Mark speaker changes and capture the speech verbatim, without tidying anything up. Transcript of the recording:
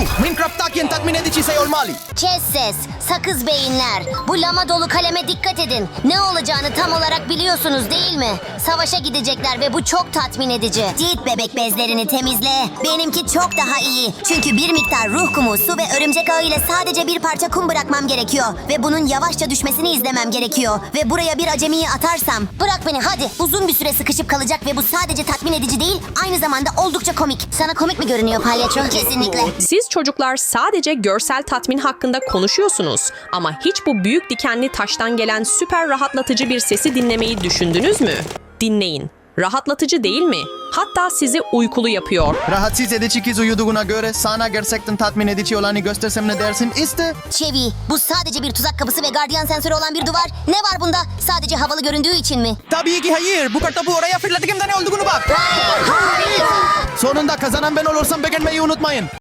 Speaker 1: Minecraft'taki en tatmin edici şey olmalı.
Speaker 2: Kes ses, sakız beyinler. Bu lama dolu kaleme dikkat edin. Ne olacağını tam olarak biliyorsunuz değil mi? Savaşa gidecekler ve bu çok tatmin edici. Git bebek bezlerini temizle. Benimki çok daha iyi. Çünkü bir miktar ruh kumu, su ve örümcek ağı ile sadece bir parça kum bırakmam gerekiyor. Ve bunun yavaşça düşmesini izlemem gerekiyor. Ve buraya bir acemiyi atarsam... Bırak beni hadi. Uzun bir süre sıkışıp kalacak ve bu sadece tatmin edici değil, aynı zamanda oldukça komik. Sana komik mi görünüyor palyaço? Kesinlikle.
Speaker 3: Siz çocuklar sadece görsel tatmin hakkında konuşuyorsunuz. Ama hiç bu büyük dikenli taştan gelen süper rahatlatıcı bir sesi dinlemeyi düşündünüz mü? Dinleyin. Rahatlatıcı değil mi? Hatta sizi uykulu yapıyor.
Speaker 1: Rahatsız edici kız uyuduğuna göre sana gerçekten tatmin edici olanı göstersem ne dersin? İşte.
Speaker 2: Çevi, bu sadece bir tuzak kapısı ve gardiyan sensörü olan bir duvar. Ne var bunda? Sadece havalı göründüğü için mi?
Speaker 1: Tabii ki hayır. Bu kartopu oraya fırlattığımda ne olduğunu bak.
Speaker 2: Hayır, hayır.
Speaker 1: Sonunda kazanan ben olursam beğenmeyi unutmayın.